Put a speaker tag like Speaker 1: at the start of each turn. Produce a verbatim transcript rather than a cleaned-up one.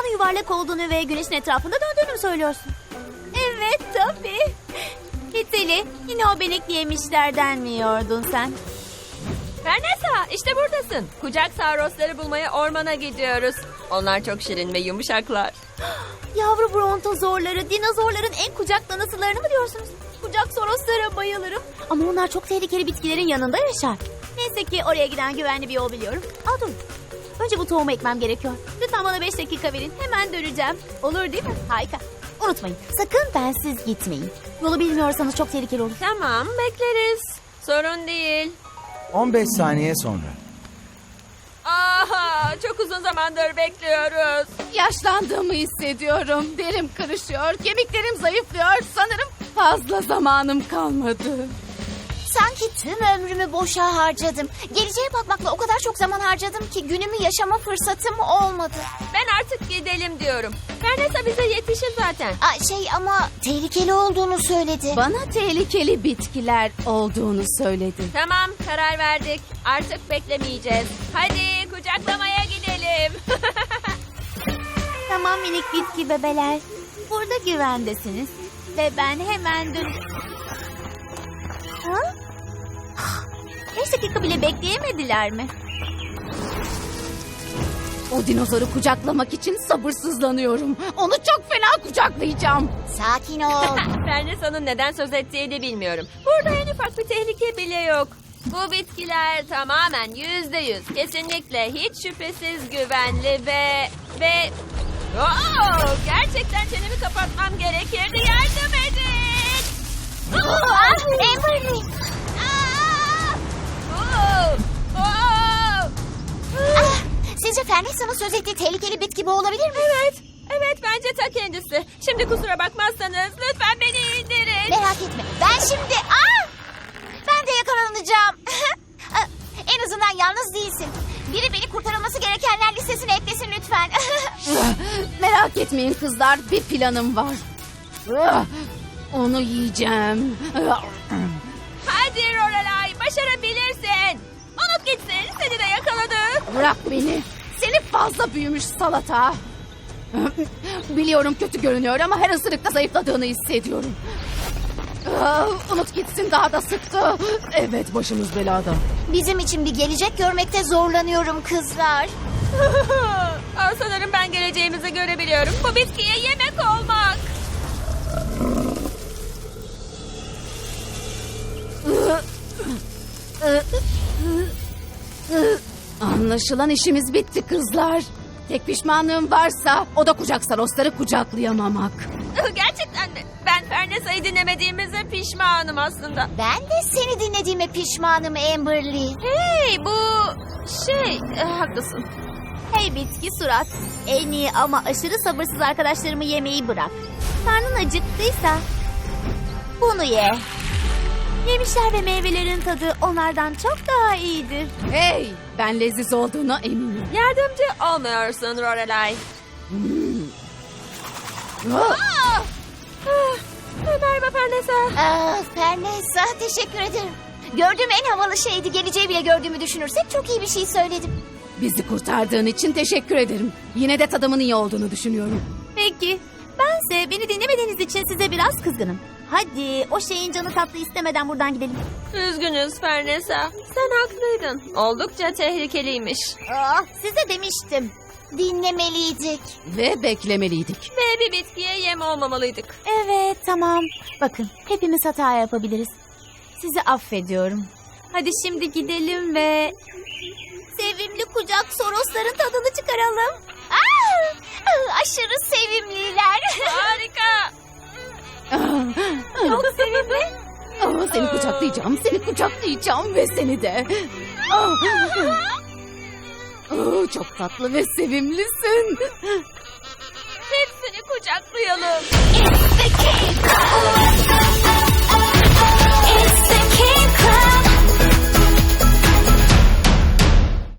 Speaker 1: Dünyanın yuvarlak olduğunu ve güneşin etrafında döndüğünü mü söylüyorsun? Evet tabii. Hiteli, yine o benekli yemişlerden mi yiyordun sen?
Speaker 2: Fernesa, işte buradasın. Kucak sarosları bulmaya ormana gidiyoruz. Onlar çok şirin ve yumuşaklar.
Speaker 1: Yavru brontozorları, dinozorların en kucaklanısılarını mı diyorsunuz? Kucak soroslara bayılırım. Ama onlar çok tehlikeli bitkilerin yanında yaşar. Neyse ki oraya giden güvenli bir yol biliyorum. Al dur. Önce bu tohumu ekmem gerekiyor. Lütfen bana beş dakika verin. Hemen döneceğim. Olur değil mi? Harika. Unutmayın. Sakın bensiz gitmeyin. Yolu bilmiyorsanız çok tehlikeli olur.
Speaker 2: Tamam, bekleriz. Sorun değil.
Speaker 3: on beş saniye sonra.
Speaker 2: Aha, çok uzun zamandır bekliyoruz.
Speaker 4: Yaşlandığımı hissediyorum. Derim kırışıyor, kemiklerim zayıflıyor. Sanırım fazla zamanım kalmadı.
Speaker 5: Sanki tüm ömrümü boşa harcadım. Geleceğe bakmakla o kadar çok zaman harcadım ki günümü yaşama fırsatım olmadı.
Speaker 2: Ben artık gidelim diyorum. Fernesa bize yetişir zaten.
Speaker 5: Aa, şey ama tehlikeli olduğunu söyledi.
Speaker 4: Bana tehlikeli bitkiler olduğunu söyledi.
Speaker 2: Tamam, karar verdik. Artık beklemeyeceğiz. Hadi kucaklamaya gidelim.
Speaker 1: Tamam minik bitki bebeler. Burada güvendesiniz. Ve ben hemen dön... Ha? Beş dakika bile bekleyemediler mi?
Speaker 4: O dinozoru kucaklamak için sabırsızlanıyorum. Onu çok fena kucaklayacağım.
Speaker 5: Sakin ol.
Speaker 2: Fernesa'nın neden söz ettiğini bilmiyorum. Burada en ufak bir tehlike bile yok. Bu bitkiler tamamen yüzde yüz, kesinlikle hiç şüphesiz güvenli ve... ve... Oo, gerçekten çenemi kapatmam gerekirdi. Yardım edin!
Speaker 5: Ah, Amberly.
Speaker 2: Oo, oo.
Speaker 5: Ah, sizce Fernesa'nın söz ettiği tehlikeli bitki bu olabilir mi?
Speaker 2: Evet, evet bence ta kendisi. Şimdi kusura bakmazsanız lütfen beni indirin.
Speaker 5: Merak etme. Ben şimdi... Aa! Ben de yakalanacağım. Ah, en azından yalnız değilsin. Biri beni kurtarılması gerekenler listesine eklesin lütfen.
Speaker 4: Merak etmeyin kızlar, bir planım var. Onu yiyeceğim.
Speaker 2: Hadi Lorelai, başarabilirsin. Unut gitsin, seni de yakaladı.
Speaker 4: Bırak beni. Seni fazla büyümüş salata. Biliyorum kötü görünüyor ama her ısırıkta zayıfladığını hissediyorum. Ah, Unut gitsin, daha da sıktı. Evet, başımız belada.
Speaker 5: Bizim için bir gelecek görmekte zorlanıyorum kızlar.
Speaker 2: Aa, sanırım ben geleceğimizi görebiliyorum. Bu bitkiye yemek olmak.
Speaker 4: Anlaşılan işimiz bitti kızlar. Tek pişmanlığım varsa o da kucak sarosları kucaklayamamak.
Speaker 2: Gerçekten mi? Ben Fernesa'yı dinlemediğimize pişmanım aslında.
Speaker 5: Ben de seni dinlediğime pişmanım Amberly.
Speaker 2: Hey, bu şey, e, haklısın.
Speaker 1: Hey bitki surat. En iyi ama aşırı sabırsız arkadaşlarımı yemeyi bırak. Karnın acıktıysa bunu ye. Yemişler ve meyvelerin tadı onlardan çok daha iyidir.
Speaker 4: Hey, ben leziz olduğuna eminim.
Speaker 2: Yardımcı olmuyorsun Lorelai.
Speaker 4: Ah!
Speaker 2: Ah! Ah, merhaba Fernesa.
Speaker 5: Ah, Fernesa teşekkür ederim. Gördüğüm en havalı şeydi. Geleceği bile gördüğümü düşünürsek çok iyi bir şey söyledim.
Speaker 4: Bizi kurtardığın için teşekkür ederim. Yine de tadımın iyi olduğunu düşünüyorum.
Speaker 1: Peki. Bense beni dinlemediğiniz için size biraz kızgınım. Hadi o şeyin canı tatlı istemeden buradan gidelim.
Speaker 2: Üzgünüz Fernesa. Sen haklıydın. Oldukça tehlikeliymiş.
Speaker 1: Ah, size demiştim.
Speaker 5: Dinlemeliydik.
Speaker 4: Ve beklemeliydik.
Speaker 2: Ve bir bitkiye yem olmamalıydık.
Speaker 1: Evet tamam. Bakın hepimiz hata yapabiliriz. Sizi affediyorum. Hadi şimdi gidelim ve... sevimli kucak sorosların tadını çıkaralım.
Speaker 5: Ah, ah, aşırı sevimliler.
Speaker 2: Harika.
Speaker 1: Çok sevimli.
Speaker 4: Aa, seni kucaklayacağım, seni kucaklayacağım ve seni de. Aa, Aa, çok tatlı ve sevimlisin.